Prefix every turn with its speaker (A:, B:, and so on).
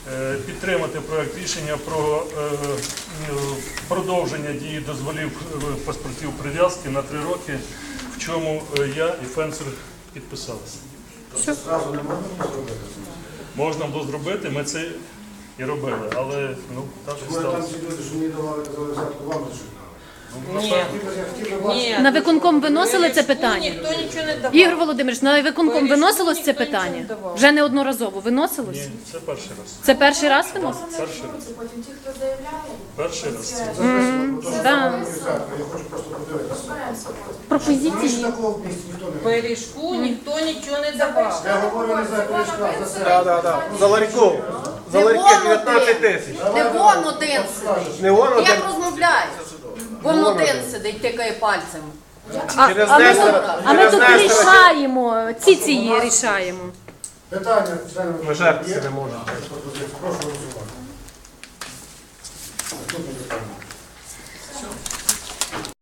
A: підтримати проект рішення про продовження дії дозволів паспортів прив'язки на 3 роки, в чому я і Фенцер підписалися.
B: Зразу не можна зробити?
A: Можна було зробити, ми це і робили, але так
B: Може там
A: сталося.
B: ці люди, що мені давали, казали, взятку вам лише
C: Ні.
B: Я хотів би бачити.
D: На виконком виносили це питання?
C: Ніхто нічого не давав.
D: Ігор Володимирович, на виконком
C: Вирішку
D: виносилось це
C: ніхто нічого
D: питання?
C: не давав.
D: Вже неодноразово виносилось?
A: Ні, це перший раз.
D: Це перший раз виноситься?
A: Перший раз.
E: Потім ті, хто заявляє,
A: Перший раз.
B: Записано, то, що
D: да.
B: давали мені взятку, я хочу просто подивитися.
E: розберемося потім.
B: Раніше
D: Пропозиції.
B: такого в місті ніхто не робив.
C: Пиріжку ніхто нічого не давав.
B: Я говорю не за пиріжка, за себе.
F: Да. За ларьку. За ларьки 19 тисяч.
G: Не вон один
B: Скажеш.
G: сидить.
F: Не вон один.
G: Як розмовляєш? Вон один сидить, тикає пальцем.
F: Через
D: А ми
F: Нестора.
D: тут
F: Через Нестора.
D: рішаємо, ці рішаємо.
B: Питання членів
F: Ми жертв
B: є?
F: не можемо.
B: Прошу голосувати.